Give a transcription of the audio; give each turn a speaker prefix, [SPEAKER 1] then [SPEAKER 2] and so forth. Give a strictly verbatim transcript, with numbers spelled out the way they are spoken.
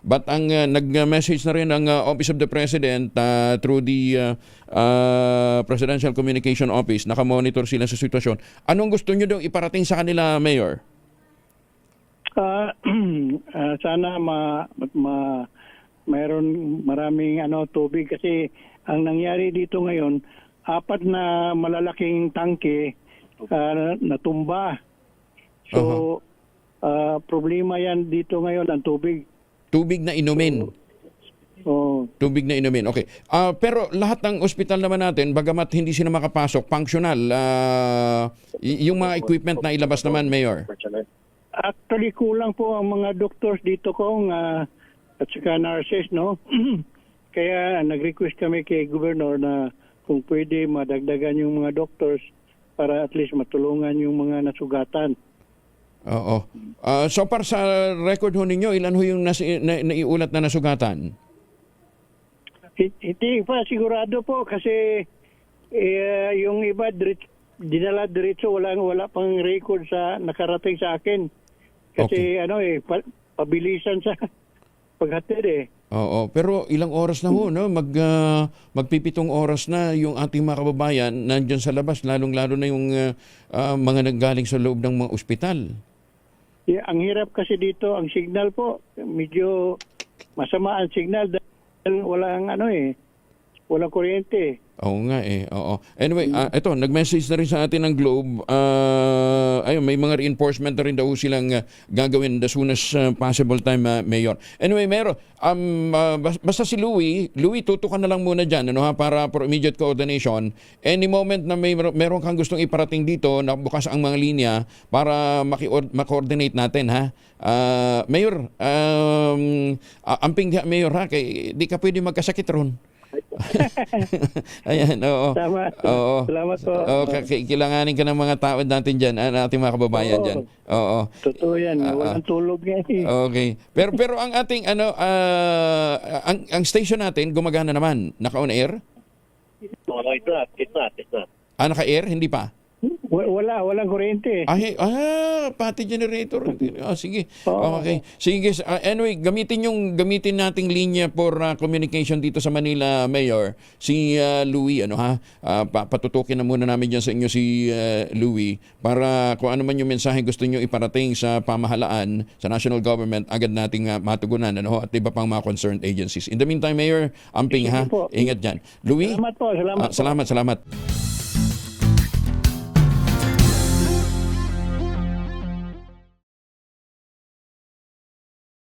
[SPEAKER 1] But ang uh, nag-message na rin ang uh, Office of the President uh, through the uh, uh, Presidential Communication Office, nakamonitor sila sa sitwasyon. Anong gusto nyo daw iparating sa kanila, Mayor?
[SPEAKER 2] Uh, uh, sana ma, ma mayroon maraming ano tubig kasi ang nangyari dito ngayon, apat na malalaking tangke uh, natumba. So
[SPEAKER 1] Uh-huh.
[SPEAKER 2] uh, problema yan dito ngayon ang tubig.
[SPEAKER 1] Tubig na inumin.
[SPEAKER 2] Oh,
[SPEAKER 1] Tubig na inumin. Okay. Ah, pero lahat ng ospital naman natin, bagamat hindi sila makapasok, functional. ah, y- yung mga equipment na ilabas naman, Mayor.
[SPEAKER 2] actually kulang po ang mga doctors dito kong uh, at saka nurses, no? Kaya nag-request kami kay Governor na kung pwede madagdagan yung mga doctors para at least matulungan yung mga nasugatan.
[SPEAKER 1] Oo. Ah, so para sa record ho ninyo, ilan ho yung nas- na- naiulat na nasugatan?
[SPEAKER 2] Hi- Hindi pa sigurado po kasi eh, yung iba diret- dinala diretso wala wala pang record sa nakarating sa akin. Kasi ano eh pa- pabilisan sa paghatid eh.
[SPEAKER 1] Oo, pero ilang oras na ho, no? Mag, ah, magpipitong oras na yung ating mga kababayan nandyan sa labas, lalong-lalo na yung ah, ah, mga nanggaling sa loob ng mga ospital.
[SPEAKER 2] Yeah, ang hirap kasi dito ang signal po medyo masama ang signal dahil walang ano eh walang kuryente.
[SPEAKER 1] Oo nga eh, oo. Anyway, ah, ito, nag-message na rin sa atin ng Globe. Ah, ayun, may mga reinforcement na rin daw silang ah, gagawin the soonest ah, possible time, ah, Mayor. Anyway, Mayor, um, ah, bas- basta si Louie, Louie, tutukan na lang muna dyan, ano, ha, para for immediate coordination. Any moment na may mer- meron kang gustong iparating dito, nabukas ang mga linya para maki- ma-coordinate natin, ha. Ah, Mayor, um, ah, amping diha, Mayor, ha, kay, di ka pwede magkasakit ron. Ayan, oo.
[SPEAKER 2] Tama.
[SPEAKER 1] Oo.
[SPEAKER 2] Salamat po.
[SPEAKER 1] Oo, k- k- kailanganin ka ng mga tao natin dyan, ah, ating mga kababayan
[SPEAKER 2] Oo.
[SPEAKER 1] dyan. Oo.
[SPEAKER 2] Totoo yan,
[SPEAKER 1] Ah,
[SPEAKER 2] walang tulog nga eh.
[SPEAKER 1] Okay. Pero pero ang ating ano ah, ang ang station natin gumagana naman. Naka-on air?
[SPEAKER 3] No, no, it's not. It's not. It's not.
[SPEAKER 1] Ah, naka-air? Hindi pa.
[SPEAKER 2] Wa- Wala, walang kuryente.
[SPEAKER 1] Ah, hey, ah, pati generator. Ah, sige.
[SPEAKER 2] Oo.
[SPEAKER 1] Okay. Sige, ah, anyway, gamitin yung gamitin nating linya for ah, communication dito sa Manila, Mayor. Si ah, Louie, ano ha? Ah, pa- patutukin na muna namin diyan sa inyo si ah, Louie para kung ano man yung mensahe gusto niyo iparating sa pamahalaan, sa national government, agad nating ah, matugunan, ano ho, at iba pang mga concerned agencies. In the meantime, Mayor, amping
[SPEAKER 2] Sige
[SPEAKER 1] ha.
[SPEAKER 2] po.
[SPEAKER 1] Ingat diyan. Louie?
[SPEAKER 2] Salamat po, salamat
[SPEAKER 1] Ah,
[SPEAKER 2] po.
[SPEAKER 1] salamat, salamat.